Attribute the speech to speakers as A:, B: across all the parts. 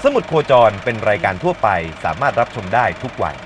A: สมุดโคจรเป็นรายการทั่วไปสามารถรับชมได้ทุกวัย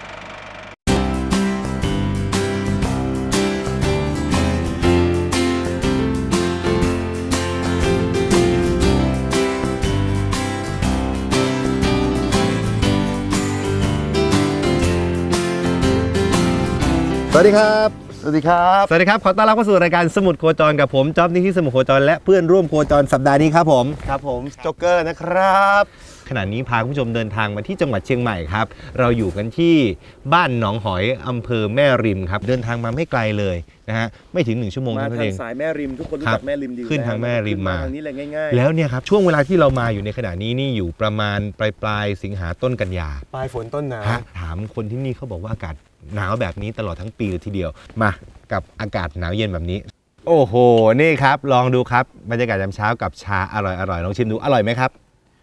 B: สวัสดีครับสวัสดีครับ
A: สวัสดีครับขอต้อนรับเข้าสู่รายการสมุดโคจรกับผมจ๊อบนิธิสมุดโคจรและเพื่อนร่วมโคจรสัปดาห์นี้ครับผม
B: โจ๊กเกอร์นะครับ
A: ขณะนี้พาคุณผู้ชมเดินทางมาที่จังหวัดเชียงใหม่ครับเราอยู่กันที่บ้านหนองหอยอำเภอแม่ริมครับเดินทางมาไม่ไกลเลยนะฮะไม่ถึง1 ชั่วโมงเท่านั้นเอง
B: มาทางสายแม่ริมทุกคนรู้จักแม่ริมดี
A: ขึ้นทางแม่ริมมา
B: ทางนี้เลยง่ายๆ
A: แล้วเนี่ยครับช่วงเวลาที่เรามาอยู่ในขณะนี้นี่อยู่ประมาณปลายสิงหาต้นกันยา
B: ปลายฝนต้นหนาว
A: ถามคนที่นี่เขาบอกว่าอากาศหนาวแบบนี้ตลอดทั้งปีเลยทีเดียวมากับอากาศหนาวเย็นแบบนี้โอ้โหนี่ครับลองดูครับบรรยากาศยามเช้ากับชาอร่อยลองชิมดูอร่อยไหมครับ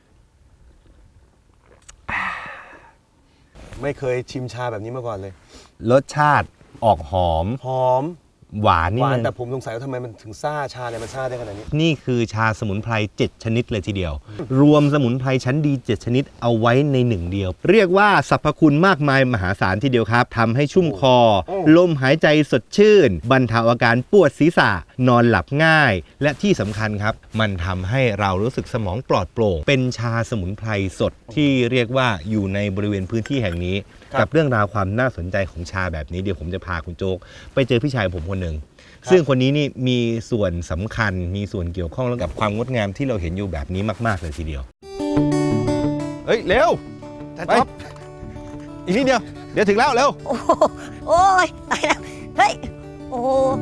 B: ไม่เคยชิมชาแบบนี้มาก่อนเลย
A: รสชาติออกหอมหวานนี่
B: แต่ผมสงสัยว่าทำไมมันถึงซ่าชาเนี่ยมันซ่าได้ขนาดนี้
A: นี่คือชาสมุนไพร7 ชนิดเลยทีเดียวรวมสมุนไพรชั้นดี7 ชนิดเอาไว้ใน1 เดียวเรียกว่าสรรพคุณมากมายมหาศาลทีเดียวครับทำให้ชุ่มคอลมหายใจสดชื่นบรรเทาอาการปวดศีรษะนอนหลับง่ายและที่สำคัญครับมันทำให้เรารู้สึกสมองปลอดโปร่งเป็นชาสมุนไพรสดที่เรียกว่าอยู่ในบริเวณพื้นที่แห่งนี้กับเรื่องราวความน่าสนใจของชาแบบนี้เดี๋ยวผมจะพาคุณโจ๊กไปเจอพี่ชายผมคนหนึ่งซึ่งคนนี้นี่มีส่วนสำคัญมีส่วนเกี่ยวข้องกับความงดงามที่เราเห็นอยู่แบบนี้มากๆเลยทีเดียวเฮ้ยเร็วไปอีกนิดเดียวเดี๋ยวถึงแล้วเร็ว
C: โอ้ยตายแล้วเฮ้ยโอ้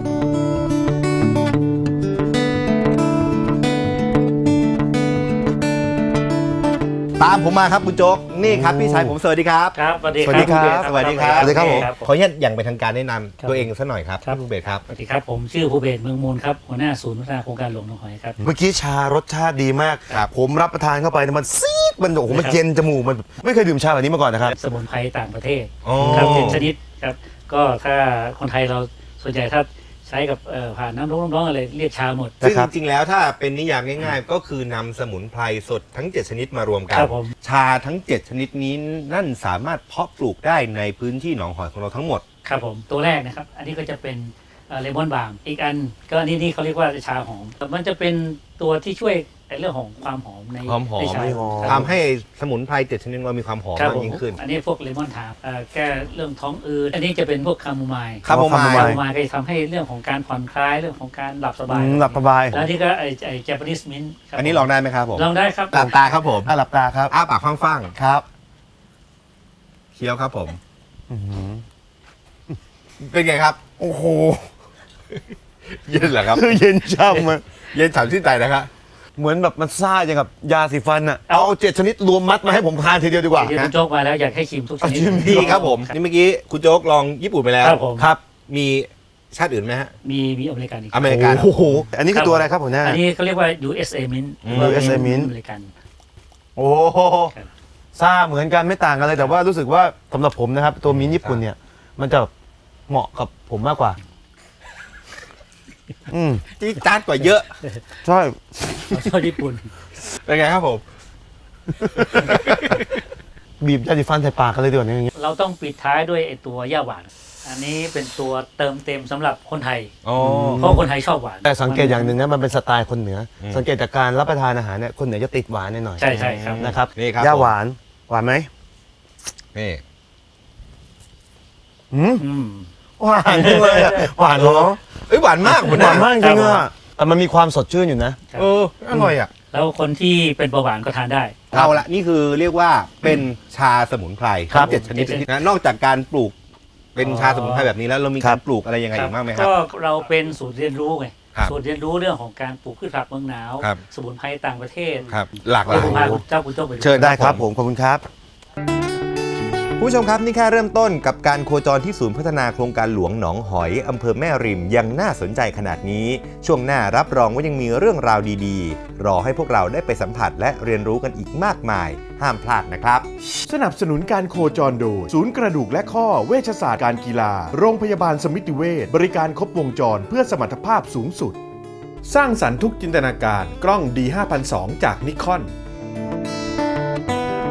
A: ตามผมมาครับคุณโจ๊กนี่ครับพี่ชายผมสวัสดีครับ
D: ครับสวัสดีครับ
A: สวัสดีครับสวัสดีครับผมขออนุญาตอย่างเป็นทางการแนะนำตัวเองสักหน่อยครับภูเบศครับ
D: สวัสดีครับผมชื่อภูเบศเมืองมูลครับหัวหน้าศูนย์พัฒนาโครงการหลวงหนองหอยครับ
B: เมื่อกี้ชารสชาติดีมากผมรับประทานเข้าไปมันซีดมันโอ้โหมันเย็นจมูกมันไม่เคยดื่มชาแบบนี้มาก่อนนะครับ
D: สมุนไพรต่างประเทศครับเป็นชนิดครับก็ถ้าคนไทยเราส่วนใหญ่ถ้าใช้กับผ่านน้ำร้อนอะไรเรียกชาหมด
A: ซึ่งจริงๆแล้วถ้าเป็นนิยามง่ายๆก็คือนำสมุนไพรสดทั้ง7 ชนิดมารวมกันชาทั้ง7 ชนิดนี้นั่นสามารถเพาะปลูกได้ในพื้นที่หนองหอยของเราทั้งหมด
D: ครับผมตัวแรกนะครับอันนี้ก็จะเป็นเลมอนบาล์มอีกอันก็นี่เขาเรียกว่าชาหอมมันจะเป็นตัวที่ช่วยในเรื่องของความหอมในชา
A: ทำให้สมุนไพร7 ชนิดเรามีความหอมมากยิ่งขึ้น
D: อันนี้พวกเลมอนทาร์แก้เรื่องท้องอืดอันนี้จะเป็นพวกคาโมไมล์ก็จะทำให้เรื่องของการผ่อนคลายเรื่องของการหลับสบายแล้วนี่ก็ไอ้เจแปนิสมิ้นท์
A: อันนี้ลองได้ไหมครับผม
D: ลองได้ครับ
A: หลับตาครับผม
B: หลับตาครับ
A: อ้าปากฟัง
B: ๆครับ
A: เคี้ยวครับผมเป็นไงครับ
B: โอ้โห
A: เย็นเหรอครับ
B: เย็นช่ำมัน
A: เย็นฉ่ำชื่นใจนะครับ
B: เหมือนแบบมันซ่าอย่างกับยาสีฟันอ่ะเอา7 ชนิดรวมมัดมาให้ผมทานทีเดียวดีกว่า
D: คุณโจ๊กมาแล้วอยากให้ชิมทุกชนิด
A: ดีครับผมนี่เมื่อกี้คุณโจ๊กลองญี่ปุ่นไปแล้ว
B: ครับ
A: มีชาติอื่นไหมฮะ
D: มีอเมริกันอีก
A: อเมริกัน
B: โอ้โหอันนี้คือตัวอะไรครับผมเนี่ย
D: อันนี้เขาเรียกว่า USA Mint
B: USA Mint
D: อเมริกัน
B: โอ้ซ่าเหมือนกันไม่ต่างกันเลยแต่ว่ารู้สึกว่าสำหรับผมนะครับตัวมิ้นญี่ปุ่นเนี่ยมันจะเหมาะกับผมมากกว่า
A: ที่จานกว่าเยอะ
B: ใช่
D: ชอบญี่ปุ่น
A: เป็นไงครับผม
B: บีบยาสีฟันใส่ปากกันเลยดีกว่านี้
D: เราต้องปิดท้ายด้วยไอตัวย่าหวานอันนี้เป็นตัวเติมเต็มสำหรับคนไทยเพราะคนไทยชอบหวาน
B: แต่สังเกตอย่างหนึ่งนะมันเป็นสไตล์คนเหนือสังเกตจากการรับประทานอาหารเนี่ยคนเหนือจะติดหวานหน่อย
D: ใช่ครับ
B: นะครับย่าหวานไหม
A: นี่
B: หวานเลยหวานเหรอ
A: หวานมาก
B: หวานมากจริงอ่ะแต่มันมีความสดชื่นอยู่นะ
A: อร่อยอ่ะ
D: แล้วคนที่เป็นเบาหวานก็ทานได้
A: เอาละนี่คือเรียกว่าเป็นชาสมุนไพรทั้ง7 ชนิดนะนอกจากการปลูกเป็นชาสมุนไพรแบบนี้แล้วเรามีการปลูกอะไรยังไงอีกบ้างไหมครับ
D: ก็เราเป็นศูนย์เรียนรู้ไงศูนย์เรียนรู้เรื่องของการปลูกพืชผักเมืองหนาวสมุนไพรต่างประเทศ
A: หลากหลาย
D: เจ้าคุณโจ๊กไป
B: เชิญได้ครับผมขอบคุณครับ
A: ผู้ชมครับนี่แค่เริ่มต้นกับการโคจรที่ศูนย์พัฒนาโครงการหลวงหนองหอยอำเภอแม่ริมยังน่าสนใจขนาดนี้ช่วงหน้ารับรองว่ายังมีเรื่องราวดีๆรอให้พวกเราได้ไปสัมผัสและเรียนรู้กันอีกมากมายห้ามพลาดนะครับ
E: สนับสนุนการโคจรโดยศูนย์กระดูกและข้อเวชศาสตร์การกีฬาโรงพยาบาลสมิติเวชบริการครบวงจรเพื่อสมรรถภาพสูงสุดสร้างสรรค์ทุกจินตนาการกล้อง D5002 จากนิคอน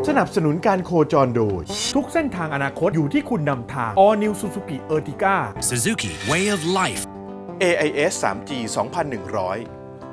E: สนับสนุนการโคจรโดยทุกเส้นทางอนาคตอยู่ที่คุณนำทาง All New Suzuki Ertiga
F: Suzuki Way of Life
E: AIS 3G 2100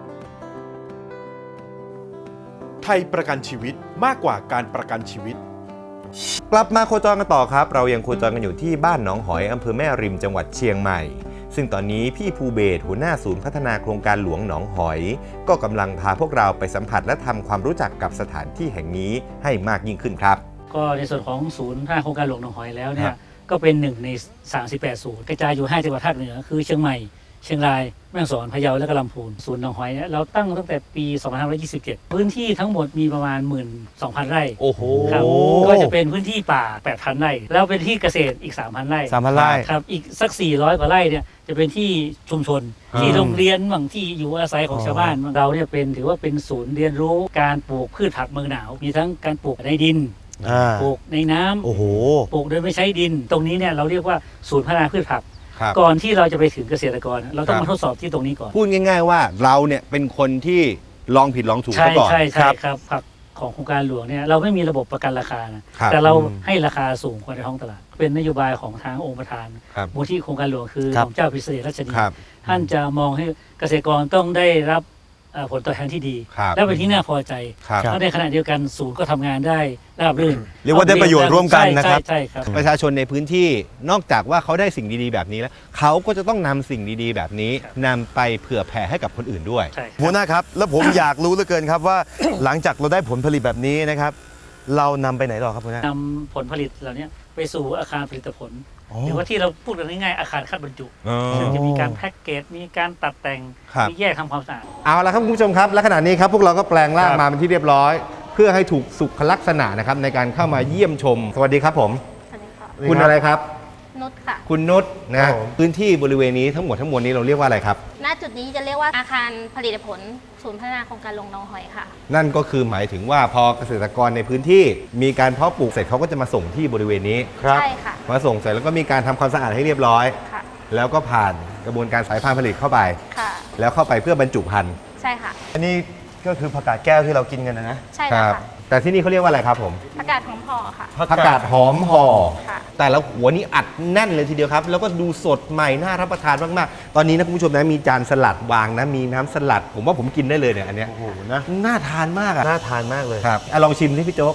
E: ไทยประกันชีวิตมากกว่าการประกันชีวิต
A: กลับมาโคจรกันต่อครับเรายังโคจรกันอยู่ที่บ้านหนองหอยอำเภอแม่ริมจังหวัดเชียงใหม่ซึ่งตอนนี้พี่ภูเบศหัวหน้าศูนย์พัฒนาโครงการหลวงหนองหอยก็กำลังพาพวกเราไปสัมผัสและทำความรู้จักกับสถานที่แห่งนี้ให้มากยิ่งขึ้นครับ
D: ก็ในส่วนของศูนย์พัฒนาโครงการหลวงหนองหอยแล้วเนี่ยก็เป็น1ใน38ศูนย์กระจายอยู่5จังหวัดภาคเหนือคือเชียงใหม่เชียงรายแม่ฮ่องสอนพะเยาและก็ลำพูนศูนย์หนองหอยเราตั้งแต่ปี2527พื้นที่ทั้งหมดมีประมาณ 12,000 ไร่
A: โอ้โห
D: ครับก็จะเป็นพื้นที่ป่า 8,000 ไร่แล้วเป็นที่เกษตรอีก 3,000 ไร่
B: 3,000 ไร่
D: ครับอีกสัก400 กว่าไร่เนี่ยจะเป็นที่ชุมชนที่โรงเรียนบางที่อยู่อาศัยของชาวบ้านเราเนี่ยถือว่าเป็นศูนย์เรียนรู้การปลูกพืชผักเมืองหนาวมีทั้งการปลูกในดินปลูกในน้ำปลูกโดยไม่ใช้ดินตรงนี้เนี่ยเราเรียกว่าศูนย์พัฒนาพืชผักก่อนที่เราจะไปถึงเกษตรกรเราต้องมาทดสอบที่ตรงนี้ก่อน
A: พูดง่ายๆว่าเราเนี่ยเป็นคนที่ลองผิดลองถูกก่อน
D: ใช่ครับผักของโครงการหลวงเนี่ยเราไม่มีระบบประกันราคานะแต่เราให้ราคาสูงกว่าในท้องตลาดเป็นนโยบายของทางองค์ประธานมูลที่โครงการหลวงคือของเจ้าพิเศษราชนีท่านจะมองให้เกษตรกรต้องได้รับผลตอบแทนที่ดีและเป็นที่น่าพอใจและในขณะเดียวกันศูนย์ก็ทำงานได้ราบรื่น
B: เรียกว่าได้ประโยชน์ร่วมกันนะครับ
D: ใช่ครับ
A: ประชาชนในพื้นที่นอกจากว่าเขาได้สิ่งดีๆแบบนี้แล้วเขาก็จะต้องนำสิ่งดีๆแบบนี้นำไปเผื่อแผ่ให้กับคนอื่นด้วย
B: หัวหน้าครับแล้วผมอยากรู้เหลือเกินครับว่าหลังจากเราได้ผลผลิตแบบนี้นะครับเรานำไปไหนต่อครับหัวหน้าน
D: ำผลผลิตเหล่านี้ไปสู่อาคารผลิตผลหรือว่าที่เราพูดกันง่ายๆอาคารคัดบรรจุซึ่งจะมีการแพ็กเกจมีการตัดแต่งมีแยกทำความสะอาด
A: เอาละครับคุณผู้ชมครับและขณะนี้ครับพวกเราก็แปลงร่างมาเป็นที่เรียบร้อยเพื่อให้ถูกสุขลักษณะนะครับในการเข้ามาเยี่ยมชมสวัสดีครับผม
G: สวัสดีค่ะ
A: คุณอะไรครับ
G: นุชค่ะ
A: คุณนุชนะพื้นที่บริเวณนี้ทั้งหมดทั้งมวลนี้เราเรียกว่าอะไรครับ
G: ณจุดนี้จะเรียกว่าอาคารผลิตผลศูนย์พัฒนาโครงการหลวงหนองหอยค่ะ
A: นั่นก็คือหมายถึงว่าพอเกษตรกรในพื้นที่มีการเพาะปลูกเสร็จเขาก็จะมาส่งที่บริเวณนี้
G: ใช่ค่ะ
A: มาส่งเสร็จแล้วก็มีการทำความสะอาดให้เรียบร้อย
G: ค่ะ
A: แล้วก็ผ่านกระบวนการสายพันธุ์ผลิตเข้าไป
G: ค่ะ
A: แล้วเข้าไปเพื่อบรรจุพันธุ์
G: ใช่ค่ะ
B: อันนี้ก็คือผักกาดแก้วที่เรากินกันนะ
G: ใช่ค่ะ
A: แต่ที่นี่เขาเรียกว่าอะไรครับผม
G: ผักกาดหอมห่อค่ะ
A: ผักกาดหอมห่อแต่ละหัวนี้อัดแน่นเลยทีเดียวครับแล้วก็ดูสดใหม่น่ารับประทานมากๆตอนนี้นะคุณผู้ชมนะมีจานสลัดวางนะมีน้ำสลัดผมว่าผมกินได้เลยเนี่ยอันเนี้ย
B: โอ้โหนะ
A: น่าทานมากอ่ะ
B: น่าทานมากเลย
A: ครับลองชิมที่พี่โจ๊ก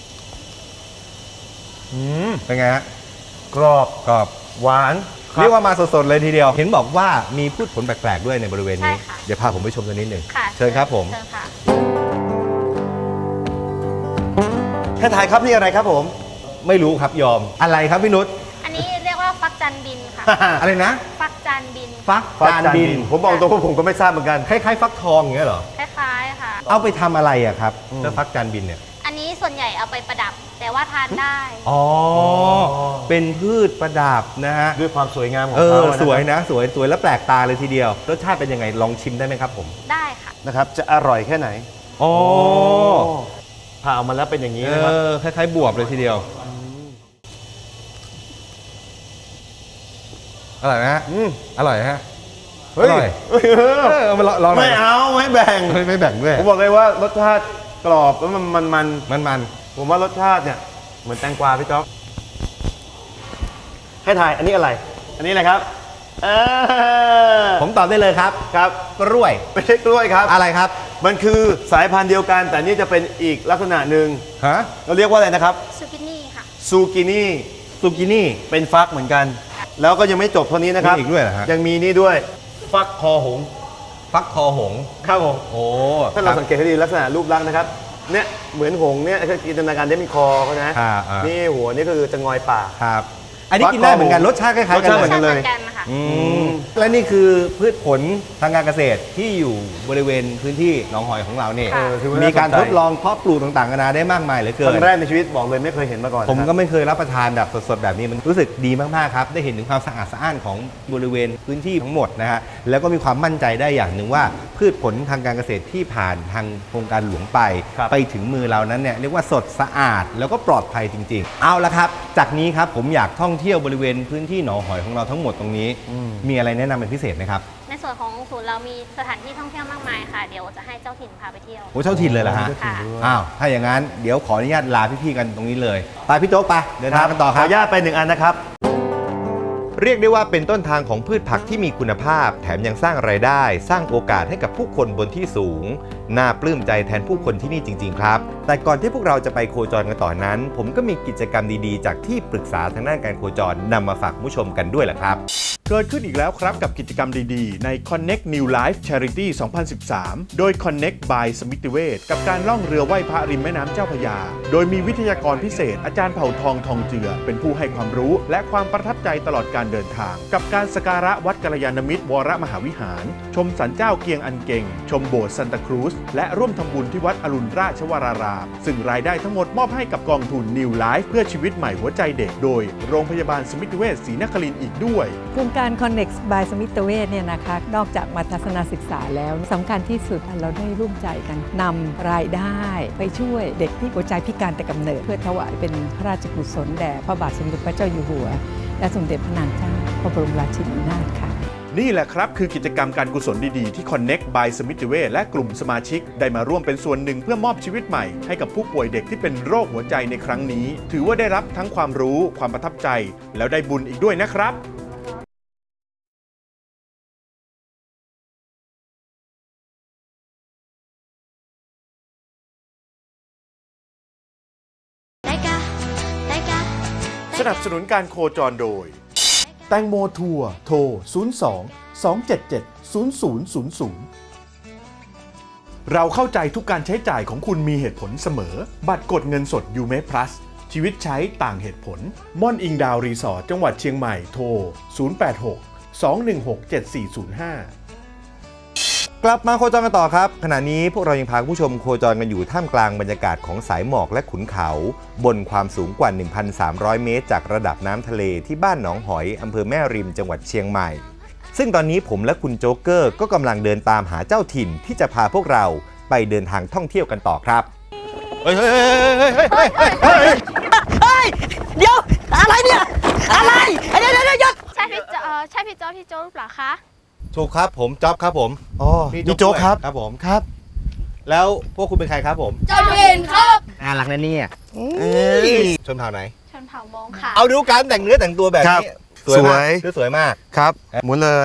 A: เป็นไงฮะ
B: กรอบหวาน
A: เรียกว่ามาสดๆเลยทีเดียวเห็นบอกว่ามีพืชผลแปลกๆด้วยในบริเวณนี้เดี๋ยวพาผมไปชมตัวนิดหนึ่งเชิญครับผม
B: ท่านทายครับนี่อะไรครับผม
A: ไม่รู้ครับยอมอะไรครับพี่นุช
G: อันนี้เรียกว่าฟักจันบินค่ะ
A: อะไรนะ
G: ฟักจันบิน
A: ฟักจันบิน
B: ผมบอกตรงว่าผมก็ไม่ทราบเหมือนกัน
A: คล้ายๆฟักทองอย่างเงี้ยเหรอ
G: คล้ายๆค่ะ
A: เอาไปทำอะไรอะครับเจ้าฟักจันบินเนี่ย
G: อันนี้ส่วนใหญ่เอาไปประดับแต่ว่าทานได้
A: อ๋อเป็นพืชประดับนะฮะ
B: ด้วยความสวยงามของเขา
A: สวยนะสวยและแปลกตาเลยทีเดียวรสชาติเป็นยังไงลองชิมได้ไหมครับผม
G: ได้ค่ะ
B: นะครับจะอร่อยแค่ไหน
A: อ๋อ
B: ผ่าออกมาแล้วเป็นอย่างนี้นะครับ
A: คล้ายๆบวบเลยทีเดียวอร่อยนะอร่อยฮะอร่อย
B: ไม่เอาไม่แบ่ง
A: ด้วย
B: ผมบอกเลยว่ารสชาติกรอบแล้วมันผมว่ารสชาติเนี่ยเหมือนแตงกวาพี่จ๊อกให้ทายอันนี้อะไรอันนี้อะไรครับ
A: ผมตอบได้เลยครับกล้วย
B: ไม่ใช่กล้วยครับ
A: อะไรครับ
B: มันคือสายพันธุ์เดียวกันแต่นี่จะเป็นอีกลักษณะหนึ่งเราเรียกว่าอะไรนะครับ
G: ซูกินี่ค่ะ
B: ซูกินี่เป็นฟักเหมือนกันแล้วก็ยังไม่จบเท่านี้นะครับ
A: อีกด้วยเหรอฮะ
B: ยังมีนี่ด้วยฟักคอหงครับผม
A: โอ้
B: ถ้าเราสังเกตให้ดีลักษณะรูปลักษณ์นะครับเนี่ยเหมือนหงเนี่ยจินตนาการได้มีคอเขานะนี่หัวนี่คือจะงอยปาก
A: ครับอันนี้กินได้เหมือนกันรสชาติคล้ายๆ
B: กันเลย
A: และนี่คือพืชผลทางการเกษตรที่อยู่บริเวณพื้นที่หนองหอยของเราเนี่ยมีการทดลองเพาะปลูกต่างๆกันานาได้มากมายเหลือเกิน
B: ครั้งแรกในชีวิตบอกเลยไม่เคยเห็นมาก่อน
A: ผมก็ไม่เคยรับประทานแบบสดๆแบบนี้มันรู้สึกดีมากๆครับได้เห็นถึงความสะอาดสะอ้านของบริเวณพื้นที่ทั้งหมดนะฮะแล้วก็มีความมั่นใจได้อย่างหนึ่งว่าพืชผลทางการเกษตรที่ผ่านทางโครงการหลวงไปถึงมือเรานั้นเนี่ยเรียกว่าสดสะอาดแล้วก็ปลอดภัยจริงๆเอาละครับจากนี้ครับผมอยากท่องเที่ยวบริเวณพื้นที่หนองหอยของเราทั้งหมดตรงนี้มีอะไรแนะนำเป็นพิเศษไหมครับ
G: ในส่วนของศูนย์เรามีสถานที่ท่องเที่ยวมากมายค่ะ เดี๋ยวจะให้เจ้าถิ่นพาไปเที่ยว
A: โอ้เจ้าถิ่นเลยเหรอฮะ
G: ค่ะ
A: อ้าวถ้าอย่างนั้นเดี๋ยวขออนุญาตลาพี่ๆกันตรงนี้เลยไปพี่โจ๊กไปเดินทางกันต่อค
B: ขอ
A: รับ
B: อนุญาตไป1 อันนะครับ
A: เรียกได้ว่าเป็นต้นทางของพืชผักที่มีคุณภาพ แถมยังสร้างรายได้ สร้างโอกาสให้กับผู้คนบนที่สูงน่าปลื้มใจแทนผู้คนที่นี่จริงๆครับแต่ก่อนที่พวกเราจะไปโคจรกันต่อนั้น ผมก็มีกิจกรรมดีๆจากที่ปรึกษาทางด้านการโคจรนำมาฝากผู้ชมกันด้วยแหละครับ
E: เกิดขึ้นอีกแล้วครับกับกิจกรรมดีๆ ใน Connect New Life Charity 2013 โดย Connect by สมิติเวชกับการล่องเรือไหว้พระริมแม่น้ำเจ้าพระยา โดยมีวิทยากรพิเศษอาจารย์เผ่าทองทองเจือเป็นผู้ให้ความรู้และความประทับใจตลอดการเดินทาง กับการสักการะวัดกัลยาณมิตรวรมหาวิหาร ชมศาลเจ้าเกียงอันเก่ง ชมโบสถ์ซันตาครูซและร่วมทำบุญที่วัดอรุณราชวรารามซึ่งรายได้ทั้งหมดมอบให้กับกองทุน New Life เพื่อชีวิตใหม่หัวใจเด็กโดยโรงพยาบาลสมิติเวชศรีนครินทร์อีกด้วย
H: โครงการ Connect by สมิติเวชเนี่ยนะคะนอกจากมาทัศนศึกษาแล้วสำคัญที่สุดเราได้ร่วมใจกันนำรายได้ไปช่วยเด็กที่หัวใจพิการแต่กำเนิดเพื่อถวายเป็นพระราชกุศลแด่พระบาทสมเด็จพระเจ้าอยู่หัวและสมเด็จพระนางเจ้าพระบรมราชินีนาถค่ะ
E: นี่แหละครับคือกิจกรรมการกุศลดีๆที่ Connect by สมิติเวชและกลุ่มสมาชิกได้มาร่วมเป็นส่วนหนึ่งเพื่อมอบชีวิตใหม่ให้กับผู้ป่วยเด็กที่เป็นโรคหัวใจในครั้งนี้ถือว่าได้รับทั้งความรู้ความประทับใจแล้วได้บุญอีกด้วยนะครับสนับสนุนการโคจรโดยแตงโมทัวร์โทร 02-277-0000 เราเข้าใจทุกการใช้จ่ายของคุณมีเหตุผลเสมอบัตรกดเงินสดยูเมพลัสชีวิตใช้ต่างเหตุผลม่อนอิงดาวรีสอร์ทจังหวัดเชียงใหม่โทร 086-216-7405
A: กลับมาโคจรกันต่อครับขณะนี้พวกเรายังพาผู้ชมโคจรกันอยู่ท่ามกลางบรรยากาศของสายหมอกและขุนเขาบนความสูงกว่า 1,300 เมตรจากระดับน้ำทะเลที่บ้านหนองหอยอำเภอแม่ริมจังหวัดเชียงใหม่ซึ่งตอนนี้ผมและคุณโจ๊กเกอร์ก็กำลังเดินตามหาเจ้าถิ่นที่จะพาพวกเราไปเดินทางท่องเที่ยวกันต่อครับ
C: เฮ้ยเดี๋ยวอะไรเนี่ยอะไรเดี๋ยวหยุด
G: ใช่พี่โจ๊กที่โจ๊กหรือเปล่าคะ
A: ถูกครับผมจ๊อบครับผม
B: อ๋อนี่โจ๊กครับ
A: ครับผม
B: ครับ
A: แล้วพวกคุณเป็นใครครับผม
G: เจ้าถิ่นครับ
A: น่ารักนะเนี่ยชนเผ่าไหน
G: ชนเผ่ามงค่ะ
A: เอาดูการแต่งเนื้อแต่งตัวแบบนี้สวยมาก
B: ครับหมุนเลย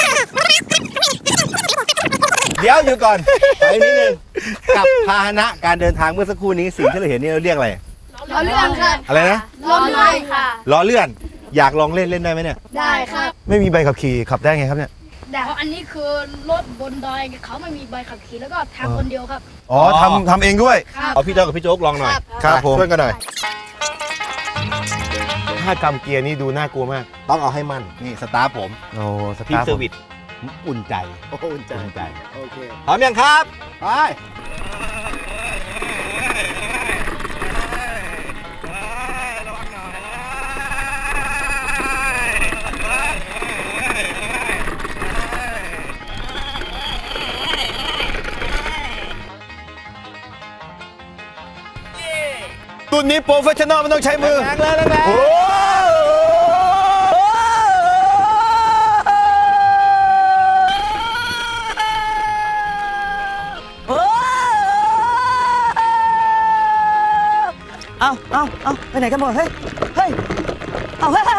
A: เดี๋ยวอยู่ก่อนไปนิดนึงกับพาหนะการเดินทางเมื่อสักครู่นี้สิ่งที่เราเห็นนี่เราเรียกอะไร
G: ล้อเลื่อนค่ะ
A: อะไรนะ
G: ล้อเลื่อนค่ะ
A: ล้อเลื่อนอยากลองเล่นได้ไหมเนี่ย
G: ได้ครับ
B: ไม่มีใบขับขี่ขับได้ไงครับเนี่ย
I: เพราะอันนี้คือรถบนดอยเขาไม่มีใบขับขี่แล้วก็ทำคนเดียวครับ
B: อ๋อทำเองด้วย
A: เอาพี่เจ้ากับพี่โจ๊กลองหน่อย
B: ครับผม
A: ช่วยกันหน่อย
B: ถ้ากำเกียร์นี่ดูน่ากลัวมาก
A: ต้องเอาให้มั่นนี่สตาร์ผม
B: โอ้สตาร์
A: ทีมเซอร์วิสอุ่นใจ
B: อุ่นใจ
A: โอเคพร้อมยังครับไป
B: รุ่นนี้โปรเฟชชั่นอลมันต้องใช้มือ
A: แรงเลยแรง
B: โอ้
C: เอาไปไหนกันหมดเฮ้ยเอาเฮ้ย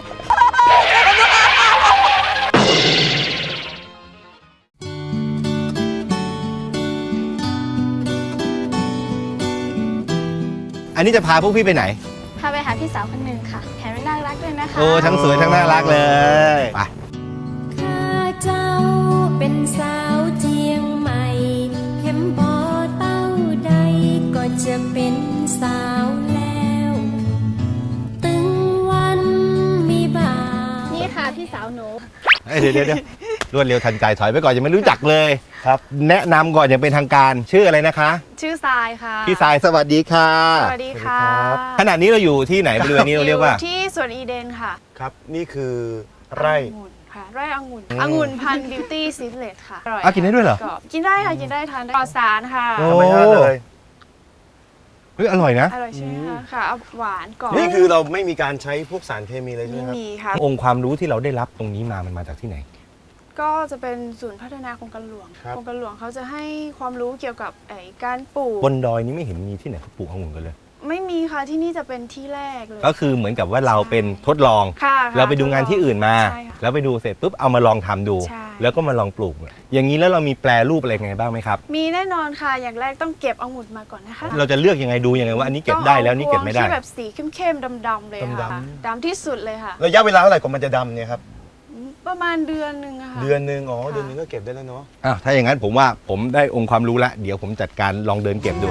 A: อันนี้จะพาพวกพี่ไปไหน
G: พาไปหาพี่สาวคนหนึ่งค่ะแถมน่ารักด้วยนะคะ
A: โอ้ทั้งสวยทั้งน่ารักเลยไป
J: ข้าเจ้าเป็นสาวเจียงใหม่เข็มพอเต้าใดก็จะเป็นสาวแล้วตึงวันมีบ่า
G: นี่ค่ะพี่สาวหนู
A: เดี๋ยวรวดเร็วทันใจถอยไปก่อนยังไม่รู้จักเลยครับแนะนำก่อนอย่างเป็นทางการชื่ออะไรนะคะ
I: ชื่อทรายค่ะ
A: พี่ทรายสวัสดีค่ะ
I: สวัสดีค่ะ
A: ขณะนี้เราอยู่ที่ไหนบริเวณนี้เราเรียกว่า
I: ที่สวนอีเดนค่ะ
B: ครับนี่คือไร่
I: ค่ะไร่องุ่นพันธุ์บิวตี้ซีเลตค่ะ
A: กินได้ด้วยเหรอ
I: กินได้ค่ะกินได้ทานได้ปลอดสารค่ะ
B: ธรรมชาติเลย
A: เฮ้ยอร่อยนะ
I: อร่อยใช่ไหมคะค่ะหวานกรอบ
B: นี่คือเราไม่มีการใช้พวกสารเคมีเลยใช่ไหมครับ
I: มีค่ะ
A: องค์ความรู้ที่เราได้รับตรงนี้มันมาจากที่ไหน
K: ก็จะเป็นศูนย์พัฒนาโครงการหลวง
A: ครับ
K: โครงการหลวงเขาจะให้ความรู้เกี่ยวกับการปลูก
A: บนดอยนี้ไม่เห็นมีที่ไหนเขาปลูกองุ่นกันเลย
K: ไม่มีค่ะที่นี่จะเป็นที่แรกเลย
A: ก็คือเหมือนกับว่าเราเป็นทดลอง
K: ค่ะ
A: เราไปดูงานที่อื่นมา
K: ใช่ค่ะ
A: แล้วไปดูเสร็จปุ๊บเอามาลองทำดู
K: ใช่
A: แล้วก็มาลองปลูก อย่างนี้แล้วเรามีแปรรูปอะไรไงบ้างไหมครับ
K: มีแน่นอนค่ะอย่างแรกต้องเก็บองุ่นมาก่อนนะคะ
A: เราจะเลือกยังไงดูยังไงว่าอันนี้เก็บได้แล้วนี่เก็บไม่ได้
K: ที่แบบสีเข้มๆดำๆเลยค่ะ
B: ดำ
K: ดำที่สุดเลยค่ะ
B: ระยะเวลาเท่าไหร่กว่ามันจะดำเนี่ยครับ
K: ประมาณเดือนหนึ่งอะค่ะ
B: เดือนหนึ่งเดือนหนึงก็เก็บได้แล้วเนาะ
A: ถ้าอย่างนั้นผมว่าผมได้องค์ความรู้แล้วเดี๋ยวผมจัดการลองเดินเก็บดู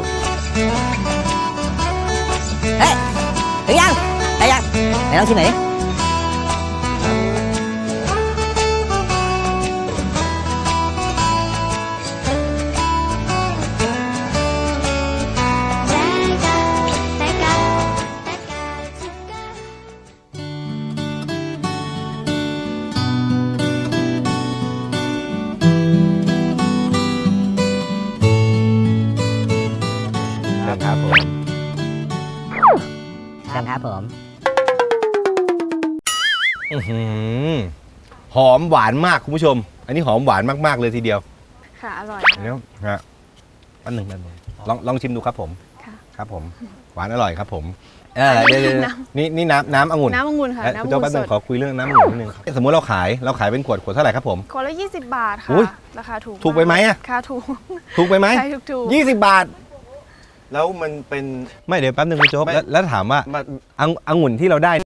C: เฮ้ยถึงยังได้ยังไหนลองชิมหน่อยดิ
A: ครับผม
C: ครับผม
A: หอมหวานมากคุณผู้ชม อันนี้หอมหวานมากๆเลยทีเดียว
K: ค่ะอร่อย
A: เดี๋ยวฮะอันหนึ่งลองชิมดูครับผม
K: ค่ะ
A: ครับผมหวานอร่อยครับผม
K: อันนี้
A: เดี๋ยว
K: น้
A: นี่น้ำองุ่น
K: น้ำองุ่นค่ะ
A: เอ้ย
K: น้ำ
A: คุณ
K: องุ่
A: เจ้าน แป๊บนึ
K: ส
A: ง
K: ด
A: ขอคุยเรื่องน้ำองุ่นนิดนึงสมมติเราขายเป็นขวดเท่าไหร่ครับผม
K: คนละ20 บาทค่ะ
A: อุ๊ย
K: ราคาถูก
A: ถูกไปไหมอะ
K: ค่ะถูก
A: ถูกไปไหม
K: ใช่ถูก
A: 20 บาท
B: แล้วมันเป็น
A: ไม่เดี๋ยวแป๊บนึงคุณโจ๊ก
B: ไม่
A: แล้วถามว่า
B: มัน
A: องุ่นที่เราได้